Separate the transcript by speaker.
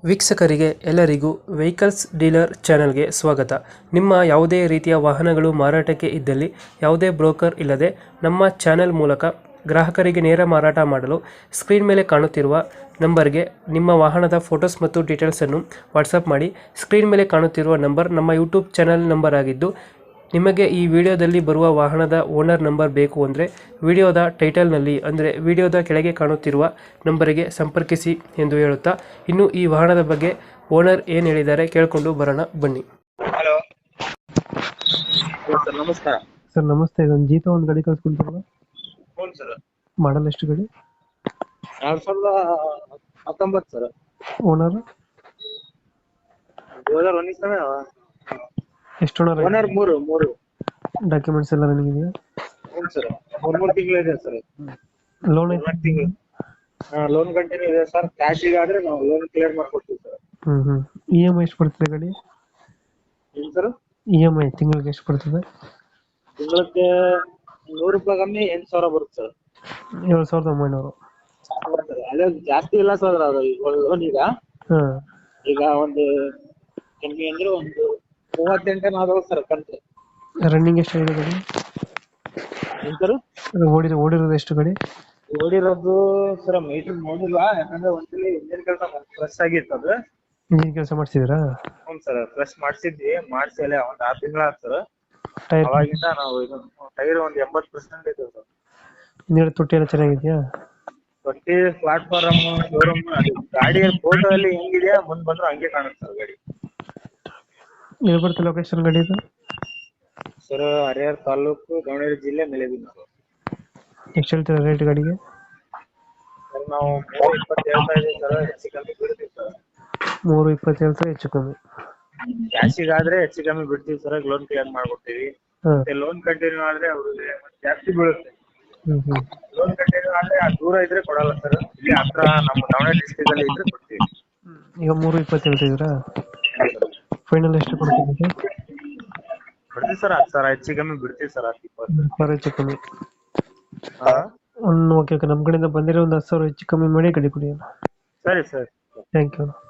Speaker 1: ವೀಕ್ಷಕರಿಗೆ ಎಲ್ಲರಿಗೂ vehicles dealer ಚಾನೆಲ್ಗೆ ಸ್ವಾಗತ. ನಿಮ್ಮ ಯಾವುದೇ ರೀತಿಯ ವಾಹನಗಳು ಮಾರಾಟಕ್ಕೆ ಇದ್ದಲ್ಲಿ ಯಾವುದೇ ಬ್ರೋಕರ್ ಇಲ್ಲದೆ ನಮ್ಮ ಚಾನೆಲ್ ಮೂಲಕ ಗ್ರಾಹಕರಿಗೆ ನೇರ ಮಾರಾಟ ಮಾಡಲು ಸ್ಕ್ರೀನ್ ಮೇಲೆ ಕಾಣುತ್ತಿರುವ ನಂಬರ್ಗೆ ನಿಮ್ಮ ವಾಹನದ ಫೋಟೋಸ್ ಮತ್ತು ಡೀಟೇಲ್ಸನ್ನು ವಾಟ್ಸಪ್ ಮಾಡಿ. ಸ್ಕ್ರೀನ್ ಮೇಲೆ ಕಾಣುತ್ತಿರುವ ನಂಬರ್ ನಮ್ಮ ಯೂಟ್ಯೂಬ್ ಚಾನೆಲ್ ನಂಬರ್ ಆಗಿದ್ದು, ನಿಮಗೆ ಈ ವಿಡಿಯೋದಲ್ಲಿ ಬರುವ ವಾಹನದ ಓನರ್ ನಂಬರ್ ಬೇಕು ಅಂದರೆ ವಿಡಿಯೋದ ಟೈಟಲ್ನಲ್ಲಿ ಅಂದರೆ ವಿಡಿಯೋದ ಕೆಳಗೆ ಕಾಣುತ್ತಿರುವ ನಂಬರಿಗೆ ಸಂಪರ್ಕಿಸಿ ಎಂದು ಹೇಳುತ್ತಾ, ಇನ್ನು ಈ ವಾಹನದ ಬಗ್ಗೆ ಓನರ್ ಏನು ಹೇಳಿದ್ದಾರೆ ಕೇಳಿಕೊಂಡು ಬರೋಣ ಬನ್ನಿ.
Speaker 2: ಹಲೋ ಸರ್, ನಮಸ್ಕಾರ
Speaker 1: ಸರ್ ನಮಸ್ತೆ. ಇದೊಂದು ಜೀತ ಒಂದು ಗಾಡಿ ಕಳಿಸ್ಕೊಡ್ತೀರಲ್ಲ,
Speaker 2: ಹ್ಞೂ ಸರ್.
Speaker 1: ಮಾಡಲ್ ಎಷ್ಟು ಗಾಡಿ?
Speaker 2: 2019 ಸರ್.
Speaker 1: ಓನರ್
Speaker 2: 2019
Speaker 1: ಎಷ್ಟು ಓನರ್?
Speaker 2: ಓನರ್ ಮೂರು.
Speaker 1: ಡಾಕ್ಯುಮೆಂಟ್ಸ್ ಎಲ್ಲ ರನ್ನಿಂಗ್ ಇದೆಯಾ?
Speaker 2: ಹ್ಞೂ ಸರ್, ಮೂರು ತಿಂಗಳು ಇದೆ ಸರ್.
Speaker 1: ಲೋನ್
Speaker 2: ತಿಂಗಳು ಲೋನ್ ಕಂಟಿನ್ಯೂ ಇದೆ ಸರ್. ಕ್ಯಾಶಿಗೆ ಆದ್ರೆ ನಾವು ಲೋನ್ ಕ್ಲಿಯರ್ ಮಾಡ್ಕೊಡ್ತೀವಿ ಸರ್.
Speaker 1: ಇ ಎಮ್ ಐ ಎಷ್ಟು ಬರ್ತದೆ ಗಾಡಿ?
Speaker 2: ಏನು ಸರ್?
Speaker 1: ಇ ಎಮ್ ಐ ತಿಂಗಳಿಗೆ ಎಷ್ಟು ಬರ್ತದೆ?
Speaker 2: ತಿಂಗಳಿಗೆ ₹100 ಕಮ್ಮಿ 8,000 ಬರುತ್ತೆ ಸರ್.
Speaker 1: 7,900.
Speaker 2: ಅದೇ ಜಾಸ್ತಿ ಇಲ್ಲ ಸರ್. ಅದು ಲೋನ್
Speaker 1: ಹಾಂ,
Speaker 2: ಈಗ ಒಂದು ಕಮ್ಮಿ ಅಂದ್ರೆ ಒಂದು 38 ಆದವು ಸರ್ ಕಂತು.
Speaker 1: ರನ್ನಿಂಗ್ ಎಷ್ಟು ಆಗಿದೆ ಗಾಡಿ?
Speaker 2: ಏನು ಸರ್?
Speaker 1: ಓಡಿರೋದು ಎಷ್ಟು ಗಾಡಿ?
Speaker 2: ಓಡಿರೋದು ಸರ್ ಮೀಟರ್ ನೋಡಿಲ್ಲ, ಯಾಕಂದ್ರೆ ಒಂದ್ಸಲಿ ಇಂಜಿನ್ ಕೆಲಸ ಫ್ರೆಶ್ ಆಗಿತ್ತು ಅದು.
Speaker 1: ಇಂಜಿನ್ ಕೆಲಸ ಮಾಡಿಸಿದ್ರಾ?
Speaker 2: ಹ್ಞೂ ಸರ್, ಫ್ರೆಶ್ ಮಾಡಿಸಿದ್ವಿ. ಮಾಡಿಸಿ ಅಲ್ಲೇ ಒಂದು 6 ತಿಂಗಳ ಆಯ್ತು ಸರ್.
Speaker 1: ಟೈರ್
Speaker 2: ಅವಾಗಿಂದ ನಾವು ಇದು ಟೈರ್ ಒಂದು 80% ಇದೆ ಸರ್.
Speaker 1: ಹಿಂದ್ಗಡೆ ತೊಟ್ಟಿ ಎಲ್ಲ ಚೆನ್ನಾಗಿದೆಯಾ?
Speaker 2: ತೊಟ್ಟಿ, ಪ್ಲಾಟ್ಫಾರಮ್, ಶೋರೂಮ್, ಅದು ಗಾಡಿ ಫೋಟೋ ಅಲ್ಲಿ ಹೆಂಗಿದೆಯಾ ಮುಂದ್ ಬಂದ್ರೆ ಹಂಗೆ ಕಾಣುತ್ತೆ ಸರ್ ಗಾಡಿ.
Speaker 1: ಎಲ್ಲಿ ಬರುತ್ತೆ ಲೊಕೇಶನ್ ಗಾಡಿ ಇದು?
Speaker 2: ಸರ್, ಹರಿಹರ ತಾಲೂಕು, ದಾವಣಗೆರೆ ಜಿಲ್ಲೆ, ಮೆಲೆಬಿನ್ನೂರು.
Speaker 1: ಎಷ್ಟು ಹೇಳ್ತೀರಾ ರೇಟ್ ಗಾಡಿಗೆ?
Speaker 2: ಸರ್ ನಾವು 320 ಹೇಳ್ತಾ ಇದೀವಿ ಸರ್. ಹೆಚ್ಚು ಕಮ್ಮಿ ಬಿಡ್ತೀವಿ ಸರ್.
Speaker 1: 320 ಹೇಳ್ತಾರೆ, ಹೆಚ್ಚು ಕಮ್ಮಿ.
Speaker 2: ಕ್ಯಾಶಿಗಾದ್ರೆ ಹೆಚ್ಚು ಕಮ್ಮಿ ಬಿಡ್ತೀವಿ ಸರ್. ಲೋನ್ ಕ್ಲಿಯರ್ ಮಾಡ್ಕೊಡ್ತೀವಿ.
Speaker 1: ಹಾಂ.
Speaker 2: ಮತ್ತೆ ಲೋನ್ ಕಂಟಿನ್ಯೂ ಆದ್ರೆ ಅವ್ರಿಗೆ ಜಾಸ್ತಿ ಬೀಳುತ್ತೆ.
Speaker 1: ಹ್ಞೂ.
Speaker 2: ಲೋನ್ ಕಂಟಿನ್ಯೂ ಆದ್ರೆ ದೂರ ಇದ್ರೆ ಕೊಡಲ್ಲ ಸರ್. ಇಲ್ಲಿ ಹತ್ರ ನಮ್ಮ ದಾವಣಗೆರೆ ಡಿಸ್ಟ್ರಿಕ್ಟ್ ಅಲ್ಲಿ ಇದ್ರೆ ಕೊಡ್ತೀವಿ.
Speaker 1: ಈಗ 320 ಹೇಳ್ತಿದ್ದೀರಾ? ಫೈನಲ್ ಎಷ್ಟು ಕೊಡ್ತೀವಿ?
Speaker 2: ಬಿಡ್ತೀವಿ ಸರ್. 10,000 ಹೆಚ್ಚು ಕಮ್ಮಿ ಬಿಡ್ತೀವಿ ಸರ್. 10-20
Speaker 1: ಹೆಚ್ಚು ಕಮ್ಮಿ. ಓಕೆ, ನಮ್ಮ ಕಡೆಯಿಂದ ಬಂದಿರೋ ಒಂದು 10,000 ಹೆಚ್ಚು ಕಮ್ಮಿ ಮಾಡಿ ಗಾಡಿ ಕೊಡಿ.
Speaker 2: ಸರಿ ಸರ್.
Speaker 1: Thank you.